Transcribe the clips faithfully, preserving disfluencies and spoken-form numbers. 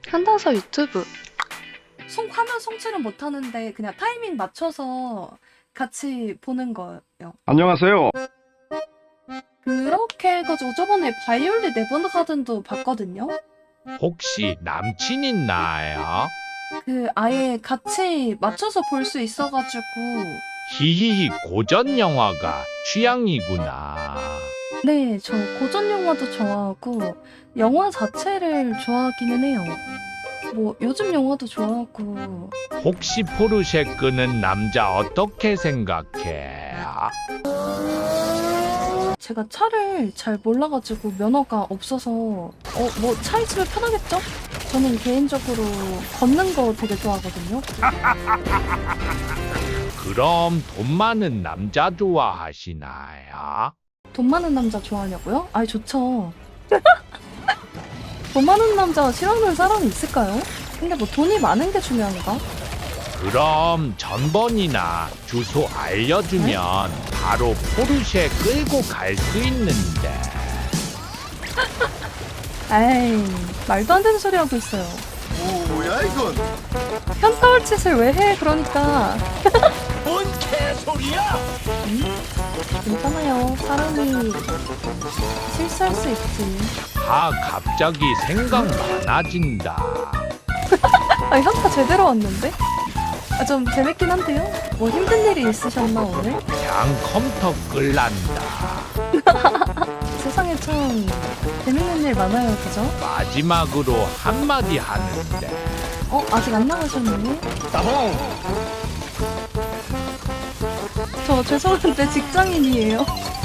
한다서 유튜브. 송 화면 송출은 못하는데 그냥 타이밍 맞춰서 같이 보는 거예요. 안녕하세요. 그렇게 해가지고 저번에 바이올린 네버가든도 봤거든요. 혹시 남친 있나요? 그 아예 같이 맞춰서 볼 수 있어가지고. 히히히 고전 영화가 취향이구나. 네, 저 고전 영화도 좋아하고 영화 자체를 좋아하기는 해요. 뭐 요즘 영화도 좋아하고. 혹시 포르쉐 끄는 남자 어떻게 생각해? 제가 차를 잘 몰라가지고 면허가 없어서 어 뭐 차 있으면 편하겠죠? 저는 개인적으로 걷는 거 되게 좋아하거든요. 그럼 돈 많은 남자 좋아하시나요? 돈 많은 남자 좋아하냐고요? 아이 좋죠. 돈 많은 남자 싫어하는 사람이 있을까요? 근데 뭐 돈이 많은 게 중요한가? 그럼 전번이나 주소 알려주면 바로 포르쉐 끌고 갈 수 있는데. 에이 말도 안 되는 소리 하고 있어요. 오, 뭐야 이건? 현타올 짓을 왜 해? 그러니까. 뭔 개소리야? 음? 괜찮아요. 사람이 실수할 수 있지. 아 갑자기 생각 많아진다. 아 현타 제대로 왔는데? 아, 좀 재밌긴 한데요? 뭐 힘든 일이 있으셨나 오늘? 그냥 컴퓨터 끌란다. 세상에 참 재밌는 일 많아요, 그죠? 마지막으로 한마디 하는데. 어? 아직 안 나가셨네? 따봉! 저 죄송한데 직장인이에요.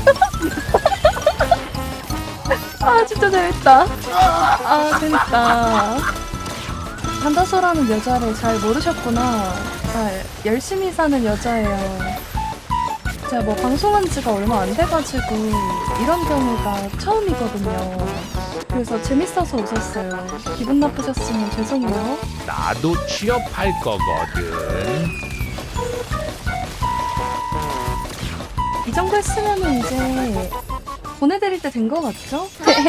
아 진짜 재밌다. 아 재밌다. 한다소라는 여자를 잘 모르셨구나. 잘 열심히 사는 여자예요. 제가 뭐 방송한 지가 얼마 안 돼가지고 이런 경우가 처음이거든요. 그래서 재밌어서 웃었어요. 기분 나쁘셨으면 죄송해요. 나도 취업할 거거든. 이 정도 했으면 이제 보내드릴 때 된 거 같죠?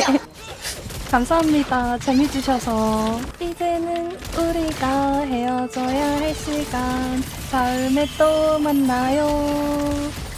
감사합니다. 재미주셔서. 이제는 우리가 헤어져야 할 시간. 다음에 또 만나요.